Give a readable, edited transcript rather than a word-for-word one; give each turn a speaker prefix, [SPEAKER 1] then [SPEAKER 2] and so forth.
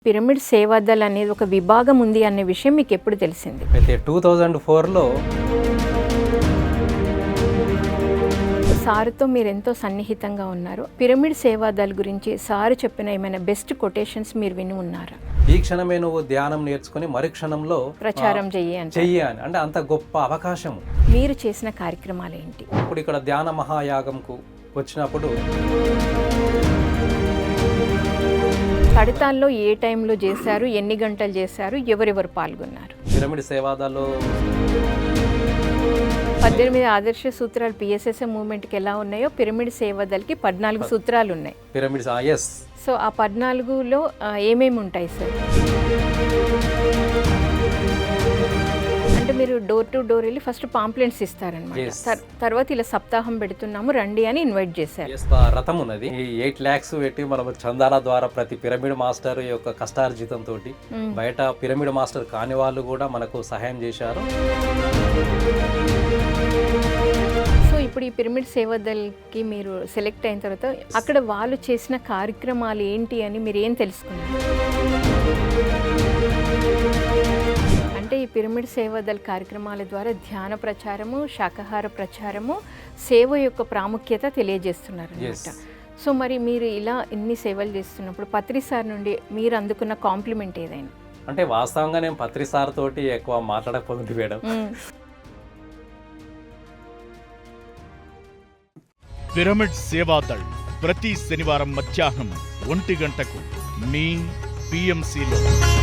[SPEAKER 1] Pyramid Seva Dal అనేది ఒక విభాగం ఉంది అనే విషయం మీకు ఎప్పుడు తెలిసింది?
[SPEAKER 2] అయితే 2004లో
[SPEAKER 1] సార్తో మీరు ఎంతో సన్నిహితంగా ఉన్నారు. పిరమిడ్ సేవాదల్ గురించి సార్ చెప్పిన ఏమైనా బెస్ట్ కొటేషన్స్ మీరు విని ఉన్నారా?
[SPEAKER 2] ఈ క్షణమే నువ్వు ధ్యానం నేర్చుకుని మరుక్షణంలో
[SPEAKER 1] ప్రచారం చెయ్యి
[SPEAKER 2] అని అంటే అంత గొప్ప అవకాశం.
[SPEAKER 1] మీరు చేసిన కార్యక్రమాలు ఏంటి?
[SPEAKER 2] ఇప్పుడు ఇక్కడ ధ్యాన మహాయాగంకు వచ్చినప్పుడు
[SPEAKER 1] కడతాల్లో ఏ టైంలో చేశారు, ఎన్ని గంటలు చేశారు, ఎవరెవరు పాల్గొన్నారు?
[SPEAKER 2] పిరమిడ్ సేవాదాల్లో
[SPEAKER 1] 18 ఆదర్శ సూత్రాలు పిఎస్ఎస్ఎం మూవ్మెంట్కి ఎలా ఉన్నాయో పిరమిడ్ సేవాదల్కి 14 సూత్రాలు ఉన్నాయి.
[SPEAKER 2] Pyramids yes.
[SPEAKER 1] సో ఆ 14లో ఏమేమి ఉంటాయి సార్? అంటే మీరు డోర్ టు డోర్ వెళ్ళి ఫస్ట్ పాంప్లెంట్స్ ఇస్తారనమాట. తర్వాత ఇలా సప్తాహం పెడుతున్నాము రండి అని ఇన్వైట్ చేశారు.
[SPEAKER 2] రథం ఉన్నది. 8 lakhs పెట్టి మనం చందాల ద్వారా ప్రతి పిరమిడ్ మాస్టర్ యొక్క కష్టార్జితం తోటి బయట పిరమిడ్ మాస్టర్ కాని వాళ్ళు కూడా మనకు సహాయం చేశారు.
[SPEAKER 1] సో ఇప్పుడు ఈ పిరమిడ్ సేవాదల్కి మీరు సెలెక్ట్ అయిన తర్వాత అక్కడ వాళ్ళు చేసిన కార్యక్రమాలు ఏంటి అని మీరు ఏం తెలుసుకున్నారు? అంటే ఈ పిరమిడ్ సేవాదల్ కార్యక్రమాల ద్వారా ధ్యాన ప్రచారము, శాకాహార ప్రచారము, సేవ యొక్క ప్రాముఖ్యత తెలియజేస్తున్నారు అన్నమాట. సో మరి మీరు ఇలా ఇన్ని సేవలు చేస్తున్నప్పుడు పత్రి సార్ నుండి మీరు అందుకున్న కాంప్లిమెంట్ ఏదైనా?
[SPEAKER 2] అంటే వాస్తవంగా నేను పత్రి సార్ తోటి ఎక్కువ మాట్లాడకపోతుంది మేడం.
[SPEAKER 3] పిరమిడ్ సేవాదళ్ ప్రతి శనివారం మధ్యాహ్నం 1 గంటకు మీ PMCలో.